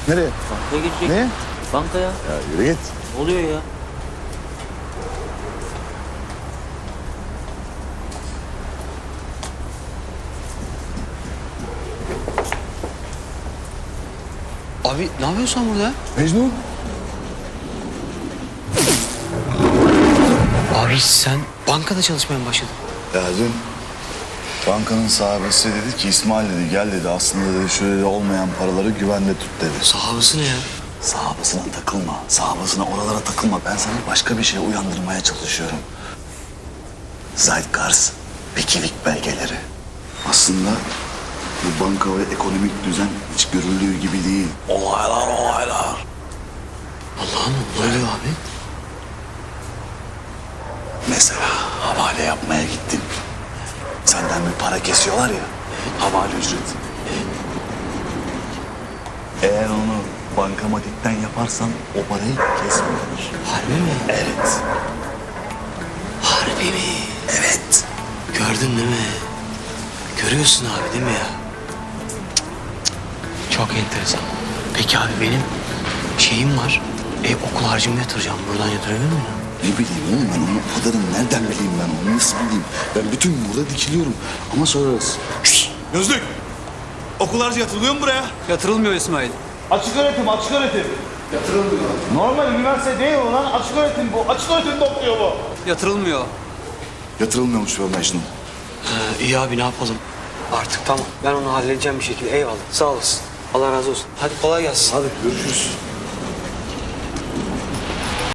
Nereye? Bankaya girecek. Ne? Bankaya. Ya yürü git. Ne oluyor ya? Abi ne yapıyorsun sen burada? Mecnun. Abi sen bankada çalışmaya mı başladın? Ya dün bankanın sahibesi dedi ki İsmail dedi gel dedi aslında dedi şöyle olmayan paraları güvende tut dedi. Sahabısı ne ya? Sahabasına takılma. Sahabasına oralara takılma. Ben sana başka bir şeye uyandırmaya çalışıyorum. Zeitgeist, Wikileaks belgeleri. Aslında bu banka ve ekonomik düzen hiç görüldüğü gibi değil. Olaylar. Allah'ım ne oluyor abi? Mesela havale yapmaya gittin. Senden bir para kesiyorlar ya. Havale ücreti. Eğer onu bankamatikten yaparsan o parayı kesmiyorlar. Harbi mi? Evet. Harbi mi? Evet. Gördün değil mi? Görüyorsun abi değil mi ya? Çok enteresan. Peki abi benim şeyim var. Okul harcımı yatıracağım. Buradan yatırabilir miyim? Ne bileyim oğlum ben onu o kadarını nereden bileyim ben onu nasıl bileyim? Ben bütün gün burada dikiliyorum ama sorarız. Gözlük. Okul harcı yatırılıyor mu buraya? Yatırılmıyor İsmail. Açık öğretim. Normal üniversite değil o lan. Açık öğretim bu. Açık öğretimde okuyor bu. Yatırılmıyor. Yatırılmıyormuş be Mecnun. İyi abi ne yapalım? Artık tamam. Ben onu halledeceğim bir şekilde. Eyvallah. Sağ olasın. Allah razı olsun. Hadi kolay gelsin. Hadi görüşürüz.